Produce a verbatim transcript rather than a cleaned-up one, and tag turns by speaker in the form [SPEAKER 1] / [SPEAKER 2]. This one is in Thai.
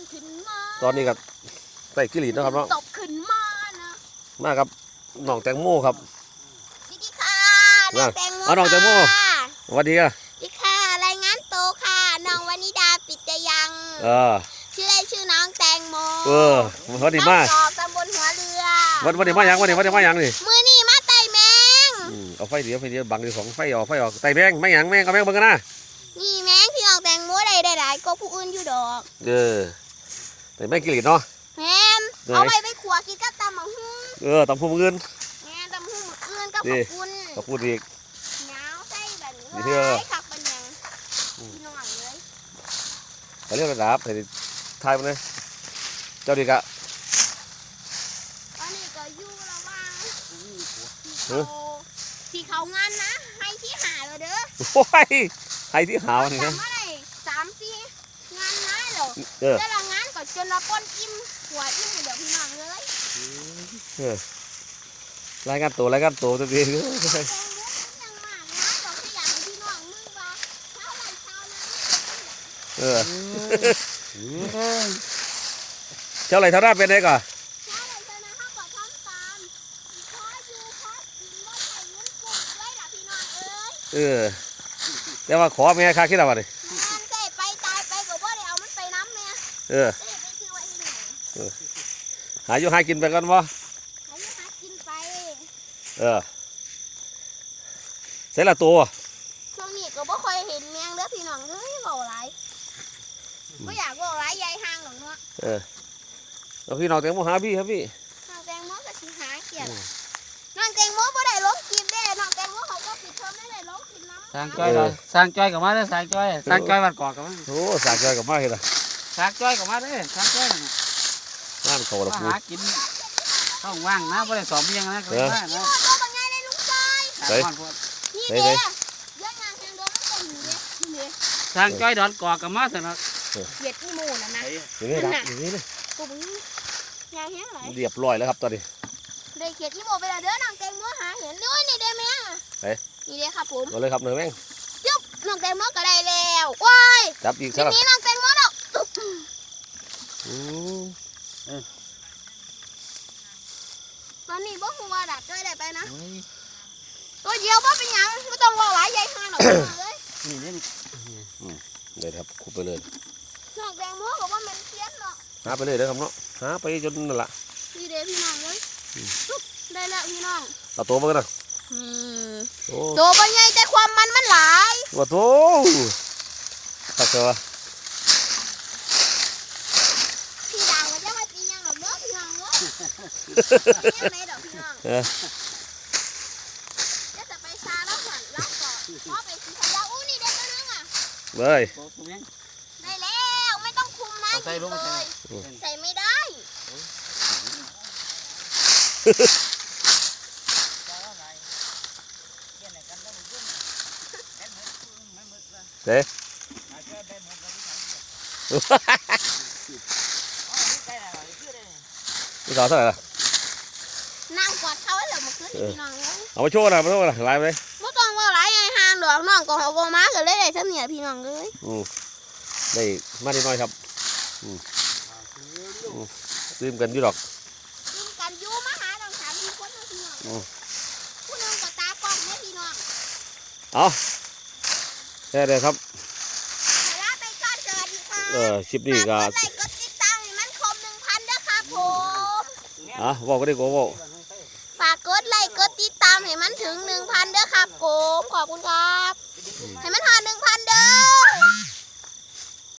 [SPEAKER 1] ขึ้นมา
[SPEAKER 2] ตอนนี้กับใส่กิริตนะครับเนาะ
[SPEAKER 1] ตบขึ้นมานะ
[SPEAKER 2] มาครับน้องแตงโมครับ
[SPEAKER 1] ดิดิค่ะน้องแตงโม
[SPEAKER 2] เอาน้องแตงโมสวัสดีค่ะ
[SPEAKER 1] ดิค่ะรายงานโตค่ะน้องวนิดาปิตยัง
[SPEAKER 2] เออ
[SPEAKER 1] ชื่อเล่นชื่อน้องแตงโม
[SPEAKER 2] เออวันนี้มา
[SPEAKER 1] ตำบลหัวเรือ
[SPEAKER 2] วันวันนี้มายังวันนี้วันนี้มายังนี่
[SPEAKER 1] มือนี่มาไต่แมง
[SPEAKER 2] เอาไฟเดียวไฟเดียวบังดีของไฟออกไฟออกไต่แมงไม่ยังแมงก็แมงเบิ่งกันนะ
[SPEAKER 1] นี่แมงที่น้องแตงโมได้ได้หลายก็ผู้อื่นอยู่ดอก
[SPEAKER 2] เออแต่แมงกิริตเนาะ
[SPEAKER 1] แมนเอาไปไปขัวกินกับตำมะฮุ่ง
[SPEAKER 2] เออตำพุ่มเงิน
[SPEAKER 1] แมนตำมะฮุ่งเงินกับขอบคุณ
[SPEAKER 2] ขอบคุณอีก
[SPEAKER 1] เงาใส่แบบนี้เลยขับเป็นยังพี่น้องเลย
[SPEAKER 2] ไปเรียกระดับไปทายมันเลยเจ้าดีกะ
[SPEAKER 1] ตอนนี้ก็อยู่ระหว่างที่เขางานนะให้ที่หาเลยเด้อ
[SPEAKER 2] โอ้ยให้ที่หาวันนี้นะ
[SPEAKER 1] สามสี่งานน้ายเหรอแต่ละงานก็จนเราป้นอิ่มหัวอิ่มเดี๋ยวพี่น้องเลย
[SPEAKER 2] รายงานตัวรายงานตัวตัวเองเออเจ้าไรเท่าหน้าเป็นไงก่อนเออแต่ว่าขอแม่ค่าคิดอะไรดิ
[SPEAKER 1] ไปตายไปก็บ่ได้เอามันไปน้ำแม่
[SPEAKER 2] เออหาอยู่หากินไปก่อนวะ
[SPEAKER 1] หาอยู่หากินไป
[SPEAKER 2] เออเสร็จละตัว
[SPEAKER 1] ช่วงนี้ก็บ่ค่อยเห็นแมงเด้อพี่น้องเอ้ยเบาหลายไม่อยากเบาหลายใหญ่ห่างหรอกเนาะ
[SPEAKER 2] เออแล้วพี่น้องแตงโมหาพี่ครับพี่
[SPEAKER 1] น้องแตงโมก็สิหาเกียรน้องแตงโมบ่ได้ลงกินเด้น้องแตงโมเขาก็ปิดเทอมไม่ได้ลงกินน้ำ
[SPEAKER 3] สร้างจ้อยเลยสร้างจ้อยกับมาเลยสร้างจ้อยสร้างจ้อยวัดกอกกับมา
[SPEAKER 2] โอ้สร้างจ้อยกับมาเห็นไหม
[SPEAKER 3] สร้างจ้อยกับมาเลยสร้างจ้อยน่ะ
[SPEAKER 2] งานเขาละ
[SPEAKER 3] ปูหากินท้องว่างนะไม่ได้สอบเบี้ยงนะเลยนะ
[SPEAKER 1] นี่ตัวบางไงเลยลุงชายนี่เด้เยอะงานแข่งโดนมันตรงนี้นี่
[SPEAKER 3] สร้างจ้อยดอนกอกกับมาเถอะนะ
[SPEAKER 1] เหยียดที่มูน่ะนะ
[SPEAKER 2] อย่างนี้นะอย่างนี้เลย
[SPEAKER 1] กูมึงยางแห้งไหล
[SPEAKER 2] เรียบร้อยแล้วครับตอนนี้
[SPEAKER 1] ได้เขียดที่มูไปแล้วเด้อน้องแตงโมหาเห็นด้วยนี่เด้แม่นี่เด้ครับผม
[SPEAKER 2] เอาเลยครับเนื้อแม่ง
[SPEAKER 1] จุ๊บน้องแตงโมก็ได้แล้วว้าย
[SPEAKER 2] จับอีกครับ
[SPEAKER 1] นี่น้องแตงโมดอกตอนนี้บ่หัวดับด้วยได้ไปนะตัวเดียวบ่เป็นยังไม่ต้องรอหลายใหญ่ขนาดนั้นเลย
[SPEAKER 3] นี่นี่
[SPEAKER 2] เลยครับขุดไปเลย
[SPEAKER 1] น้องแตงโมบอกว่ามันเทียนเนาะ
[SPEAKER 2] หาไปเลยเด้อครับเนาะหาไปจนนั่นแหละ
[SPEAKER 1] นี่เด้พี่น้องเลยได้แล้วพี่น้อง
[SPEAKER 2] เอาตัวมากันนะ
[SPEAKER 1] ตัวเป็นไงแต่ความมันมันหลาย
[SPEAKER 2] ว่าโตตักเถอะ
[SPEAKER 1] พี่ดาวจะมาตียังหรอกเด้อพี่น้องเด้อยังไงดอกพี่น้องจะจะไปซาแล้วก่อนแล้วก่อนพ่อไปสีขยะอู้นี่ได้แล้วนึงอ่ะ
[SPEAKER 2] เลย
[SPEAKER 1] ได้แล้วไม่ต้องคุมนะใส่เลยใส่ไม่ได้
[SPEAKER 2] เด้นี่สาวเท่าไหร่ล่ะ
[SPEAKER 1] นั่งกอดเขาไว้เลยมาขึ้นพี่น้องเลย
[SPEAKER 2] เอาไปโชว์นะไปโชว์นะไล่ไปเลย
[SPEAKER 1] ไม่ต้องว่าไล่ไงห่างดอกน้องก็เขาโกมากันเลยได้เท่านี้พี่น้องเลย
[SPEAKER 2] อืมได้มาดีน้อยครับอืมซื้อกันอยู่ดอก
[SPEAKER 1] ซื้อกันอยู่มาหาดอกสามพี่คนพี่น้องผู้นึงก็ตากล้องเนี่ยพี่น้อง
[SPEAKER 2] เอาแค่เดียวครับ
[SPEAKER 1] เอ
[SPEAKER 2] อชิปนี้ก็
[SPEAKER 1] กดติดตามให้มันครบหนึ่งพันเด้อครับผม
[SPEAKER 2] อ่ะบอกก็ได้ก็บอก
[SPEAKER 1] ฝากกดไลค์กดติดตามให้มันถึงหนึ่งพันเด้อครับผมขอบคุณครับให้มันหาหนึ่งพันเด้อ